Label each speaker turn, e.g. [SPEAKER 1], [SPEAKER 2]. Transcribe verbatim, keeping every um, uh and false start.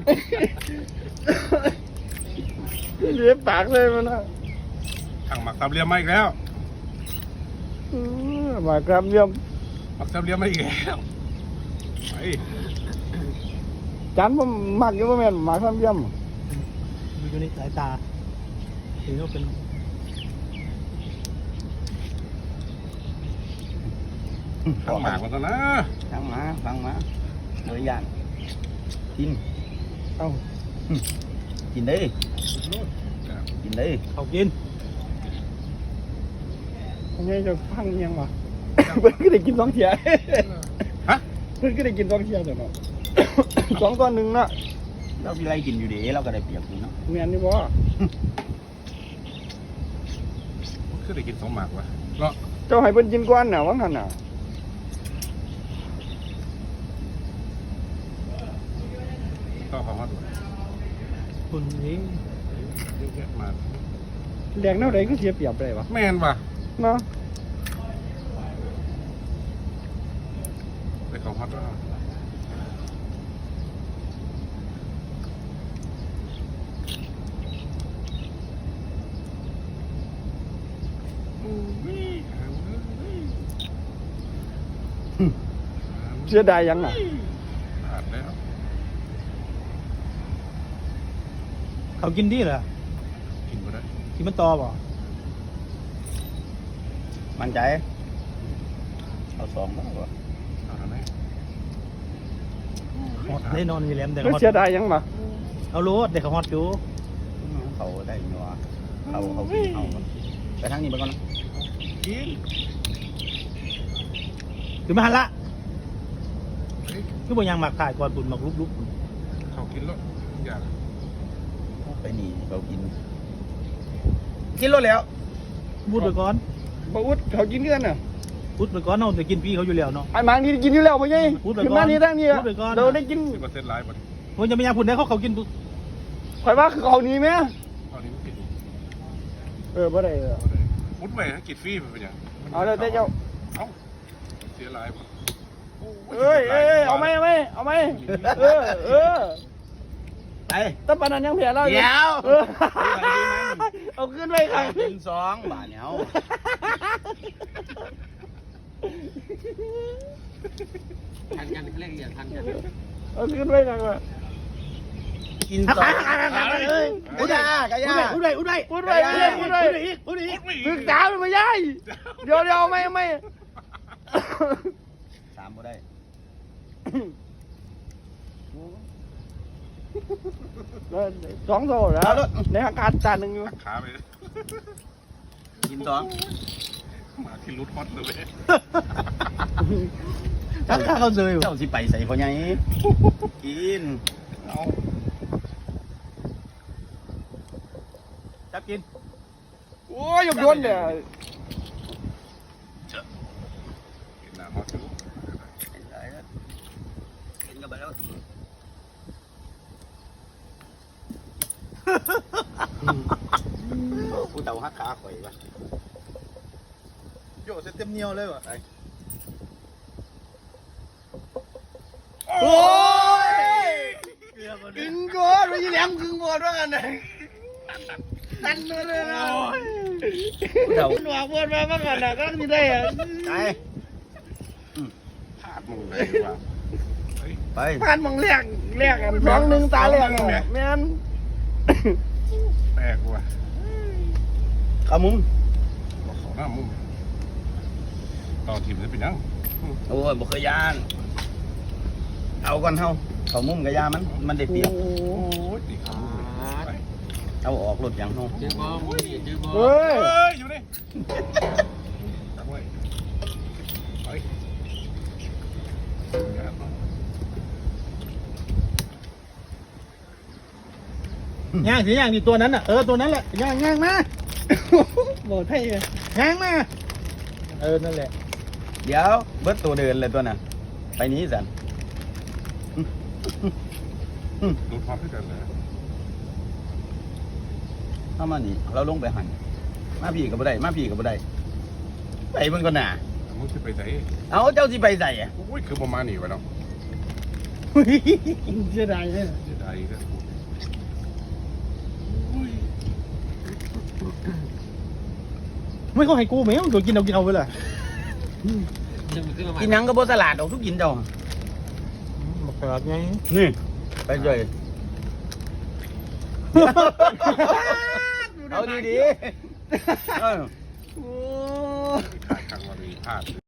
[SPEAKER 1] เลี้ยปากเลยมันนะ
[SPEAKER 2] ทางหมักสามเหลี่ยมมาอีกแล้ว
[SPEAKER 1] มากรับเยี่ยม
[SPEAKER 2] หมักสามเหลี่ยมมาอีกแล้วไป
[SPEAKER 1] จานผมมักอยู่ว่าแม่นหมากรับเยี่ยม
[SPEAKER 3] อยู่ในสายตาถือว่าเป็น
[SPEAKER 2] ทางหมากมันซะนะ
[SPEAKER 4] ฟังมาฟังมาเลยย่างกิน
[SPEAKER 1] เอ้า
[SPEAKER 4] กินได้กินได้
[SPEAKER 3] เขากิน
[SPEAKER 1] ไงจะพังยังวะเพิ่นก็ได้กินสองเทีย
[SPEAKER 2] ฮะ
[SPEAKER 1] เพิ่นก็ได้กินสองเทียแต่เนาะ สองต่อหนึ่งเนาะ
[SPEAKER 4] เรามีอะไรกินอยู่ดีเราก็ได้เปรียบอยู่เนาะ
[SPEAKER 1] แม่นนี่บ่
[SPEAKER 2] คือได้กินสองหมากวะเนาะ
[SPEAKER 1] เจ้าให้เพิ่นกินก่อนน่ะว่างั้นน่ะ
[SPEAKER 2] ต้องขอมาดู
[SPEAKER 3] คุณนี้
[SPEAKER 2] เยอะแยะมา
[SPEAKER 1] แดงแนวใดก็เสียเปรียบได้วะ
[SPEAKER 2] แม่นป่ะ
[SPEAKER 1] เนาะ
[SPEAKER 2] ไปของฮอตแล้ว
[SPEAKER 1] เสียดายยังน่ะ
[SPEAKER 2] ขาดแล้ว
[SPEAKER 3] เขากินดีเหรอ
[SPEAKER 2] กินไปได้
[SPEAKER 3] กินมันตอบ่
[SPEAKER 4] มั่นใจเอาสองแล้วบ่
[SPEAKER 2] เอาทำไม
[SPEAKER 3] ฮอตได้นอนมีแหลมแต่
[SPEAKER 1] ก็
[SPEAKER 3] ฮอต
[SPEAKER 1] เสียดายยังมา
[SPEAKER 3] เอาโลดเด็กเขาฮอตอยู่
[SPEAKER 4] เขาได้เนาะเขาเขากินเอาไปทางนี้ไปก่อนนะ
[SPEAKER 2] กิน
[SPEAKER 3] คือมาหันละ
[SPEAKER 2] เฮ้ย
[SPEAKER 3] คือบ่ยังหมักถ่ายก่อนปุ่นหมักลุก
[SPEAKER 2] เขากินแล้วอยาก
[SPEAKER 4] ไปนี่เรากินกินรถแล้ว
[SPEAKER 3] ๆพูดไปก่อน
[SPEAKER 1] บ่อุดเขากินกันน่ะ
[SPEAKER 3] พูดไปก่อนเนาะแต่กินพี่เขาอยู่แล้วเนาะ
[SPEAKER 1] ไอ้หมางนี่กินอยู่แล้วพ่อใหญ่
[SPEAKER 3] พูดไปก่อน
[SPEAKER 1] ขึ้นมานี่ทางนี้
[SPEAKER 3] พูดไปก่อน
[SPEAKER 1] เราได้กิน
[SPEAKER 2] สิบเปอร์เซ็นต์ไลฟ์บ่ดิ
[SPEAKER 3] ผมจะไม่ยังพูดได้เขาเขากิน
[SPEAKER 1] ข่อยว่าคือเขานี้แม่
[SPEAKER 2] ตอนนี้มันกิน
[SPEAKER 1] เออบ่ได้เออ
[SPEAKER 2] มุดไปให้กินฟรีมันเป็นยัง
[SPEAKER 1] เอาเลยแต่เจ้า
[SPEAKER 2] เอ้าเสียไลฟ์บ่
[SPEAKER 1] เอ้ยเอ้ยเอาไหมเอาไหมเอาไหมเออเออ
[SPEAKER 4] ไป
[SPEAKER 1] แตั้ปานนั้นยังเพียเรา
[SPEAKER 4] เดี๋ยว
[SPEAKER 1] เออเอาขึ้นไปค่ะ
[SPEAKER 4] เป็นสองบาทเนี่ย
[SPEAKER 5] ทันกันเขาเรียกอย่างทันกัน
[SPEAKER 1] เอาขึ้นไปค่ะ
[SPEAKER 4] กินสองอุดากะยา
[SPEAKER 3] พูดได้พูดได้
[SPEAKER 1] พูดไปพูดไปพูดไป
[SPEAKER 3] อีกพูดอีก
[SPEAKER 1] ศึกษามันไม่ได้เดี๋ยวเดี๋ยวเอาไหมเอาไหม
[SPEAKER 4] สามบ่ได้
[SPEAKER 1] สองโซ่แล้วในอากาศจานหนึ่งอยู่
[SPEAKER 2] ตักขาไป
[SPEAKER 4] กินสอง
[SPEAKER 2] หมาที่รุดฮอตเลย
[SPEAKER 3] ทักข้าเขาเลย
[SPEAKER 4] เจ้าสิไปใส่พ่อใหญ่กิน
[SPEAKER 2] เอา
[SPEAKER 3] จับกิน
[SPEAKER 1] โอ้ยยกโยนเดี๋ยว
[SPEAKER 2] กินน้ำฮอตอยู่
[SPEAKER 4] กินกันไปแล้วผู้เต่าหักขาข่อยวะ
[SPEAKER 3] โยเต็มเหนียวเลยวะ
[SPEAKER 1] โอ้ย
[SPEAKER 3] เกลือมัน
[SPEAKER 1] กินก่อนไม่ใช่แหลมกึ่งบอดว่ากันนะตันมาเลยนะ
[SPEAKER 4] ผู้เต่า
[SPEAKER 1] คุณหวังบอดมาว่ากันนะก็ไม่ได้อะ
[SPEAKER 4] ไป
[SPEAKER 2] พลาดมึงเลยว่ะเฮ้ย
[SPEAKER 4] ไป
[SPEAKER 1] ผ่านมองแรกแรกกันสองหนึ่งตาแรกอะแม่น
[SPEAKER 2] แปลกว่ะ
[SPEAKER 4] เข้ามุม
[SPEAKER 2] บอกเขาหน้ามุมต่อทีมจะเป็นยัง
[SPEAKER 4] โอ้ยบ่เคยยานเอาก่อนเฮาเข้ามุมกะยามันมันได้เปรียบ
[SPEAKER 2] โอ้ยตีเขาไป
[SPEAKER 4] เอาออกรถอย่างเฮา
[SPEAKER 5] เจอบอลเจอบอล
[SPEAKER 1] เฮ้ย
[SPEAKER 2] เฮ้ย อยู่นี่ตั้งไว้ไปงานมา
[SPEAKER 3] ย่างสิย่างดิตัวนั้นอ่ะเออตัวนั้นแหละย่างย่างมา
[SPEAKER 1] บอกให้เลย
[SPEAKER 3] ย่างมาเออนั่นแหละ
[SPEAKER 4] เดี๋ยวเบิดตัวเดินเลยตัวน่ะไปนี้สัน
[SPEAKER 2] ดูความที่กันเลย
[SPEAKER 4] เข้ามานี่เราลงไปหันมาพี่ก็บ่ได้มาพี่ก็บ่ได้ไปเบิ่งก่อนน่ะ
[SPEAKER 2] มึงจะไปไหน
[SPEAKER 4] เอาเจ้าสิไปใส่อะ
[SPEAKER 2] โอ้ยคือประมาณนี้วะเนาะ
[SPEAKER 1] เสียดายเลย
[SPEAKER 2] เสียดายอะไรก็
[SPEAKER 3] ไม่เขาให้กูไหมมึงตัวกินเอากินเอาไปเลย
[SPEAKER 5] จะมันขึ้นมาใหม่
[SPEAKER 4] กินหยังก็บ่สลัดออกทุกกินเจ้า
[SPEAKER 3] บอกกระดาษไง
[SPEAKER 4] นี่ไปเลย เอาดีๆเออ
[SPEAKER 1] โอ้
[SPEAKER 2] ขาดทางวันนี้พลาด